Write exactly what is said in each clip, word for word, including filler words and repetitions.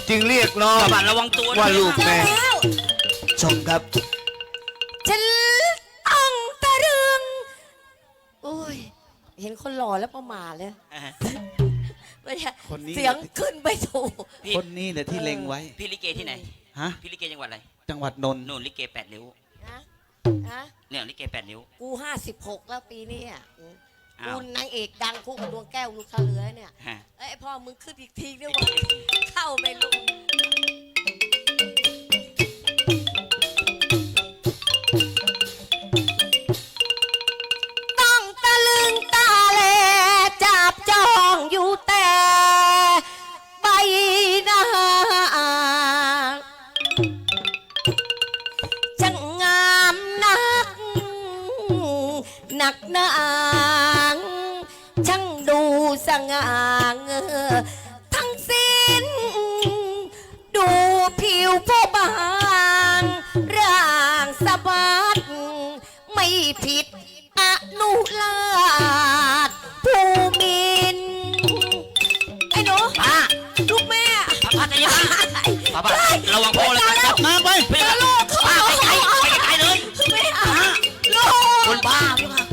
จึงเรียกน้องบัดระวังตัวว่าลูกแม่แล้วชมครับฉันต้องตะลึงโอ้ยเห็นคนหล่อแล้วประมาทเลยเสียงขึ้นไปถูกคนนี้แหละที่เล็งไว้พี่ลิเกที่ไหนฮะพี่ลิเกจังหวัดอะไรจังหวัดนนท์นู่นลิเกแปดริ้วนะนะเนี่ยลิเกแปดริ้วกูห้าสิบหกแล้วปีนี้อ่ะอ้ากูวนางเอกดังคู่กับดวงแก้วลูกค้าเหลือเนี่ยฮะเอ้ยพ่อมึงขึ้นอีกทีด้วยวะเข้าไปลูกต้องตะลึงตาแลจับจ้องอยู่แต่ใบหน้าช่างงามนักหนักหนางช่างดูสง่าเงอทั้งสิ้นดูผิวผู้บางร่างสะบัดไม่ผิดอนุลาดผู้มินไอ้หนูป้าลูกแม่ป้าใจเย็นป้าป้าระวังโพเลยแล้นะวมาไปไปกับลูกป้าไปไกลไปไกลเลยไม่เอาลูกคนบ้าพี่ค่ะ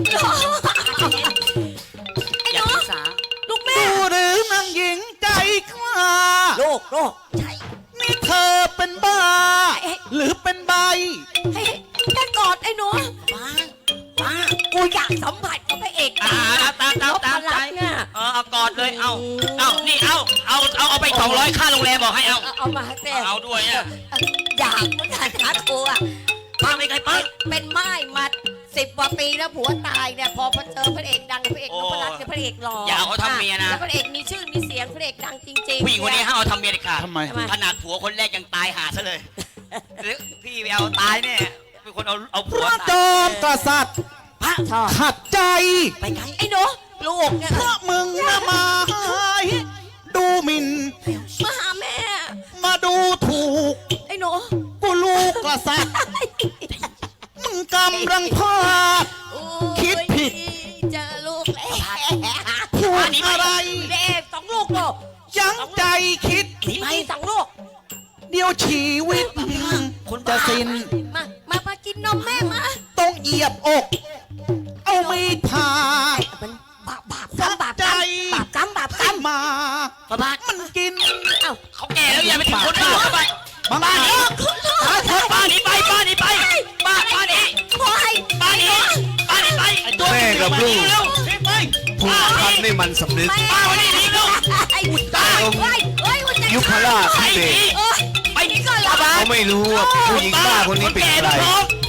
ไอ้อหย่านูศึกษาลูกแม่ดูหรือนางหญิงใจกล้าลูกลูกใช่นี่เธอเป็นบ้า หรือเป็นใบให้แค่กอดไอ้หนูป้าป้ากูอยากสัมผัสกับพระเอกอ่าตามตามตามใจเนี่ยเออเอากอดเลยเอาเอานี่เอาเอาเอาเอาไปสองร้อยค่าโรงแรมบอกให้เอาเอามาแต่เอาด้วยอ่ะอยากเหมือนกันนะกูอ่ะป้าไม่ไกลป้าเป็นไม้มาสิบกว่าปีแล้วผัวตายเนี่ยพอพอเจอพระเอกดังพระเอกนพรัตน์กับพระเอกหล่ออย่าเอาเขาทำเมียนะแล้วพระเอกมีชื่อมีเสียงพระเอกดังจริงๆผู้หญิงคนนี้ห้ามเอาทำเมียเด็ดขาดทำไมขนาดผัวคนแรกยังตายหาซะเลยหรือพี่ไปเอาตายเนี่ยเป็นคนเอาเอาพผัวระจตายอมกษัตริย์พระชอบขัดใจไปไกลไอ้หนูลูกเนี่ยเพราะมึงนะมาดูหมิ่นมาหาแม่มาดูถูกไอ้หนูกูลูกกษัตริย์มึงกำลังพลาดโอ้ยคิดผิดเจอลูกแล้วพูดอะไรเด็กสองลูกลูกยั้งใจคิดหนีไปสองลูกเดี๋ยวชีวิตจะสิ้นมา มา มากินนมแม่มาต้องเหยียบอก เอามีดผ่ามันบาปบาปกรรมบาปกรรมบาปกรรมบาปกรรมมาป้าบ้ามันกินเอ้าเขาแก่แล้วอย่าไปถึงคนบ้าเข้าไปบ้าบ้าหนีคุณลูกบ้าหนีไปบ้าหนีไปบ้าบ้าหนีโอ้ยบ้าหนีบ้าหนีไปไอ้ตัวแม่กับลูกเร็วไปถูกทำให้มันสำนึกบ้าวันนี้หนีลูกไอ้อุตตายเฮ้ยเฮ้ยอุตตายยุพราชไปพิหเศนีษเอ้ยไปหนีก่อนเหรอบ้าเขาไม่รู้ว่าผู้หญิงบ้าคนนี้เป็นใครแก่ท้อง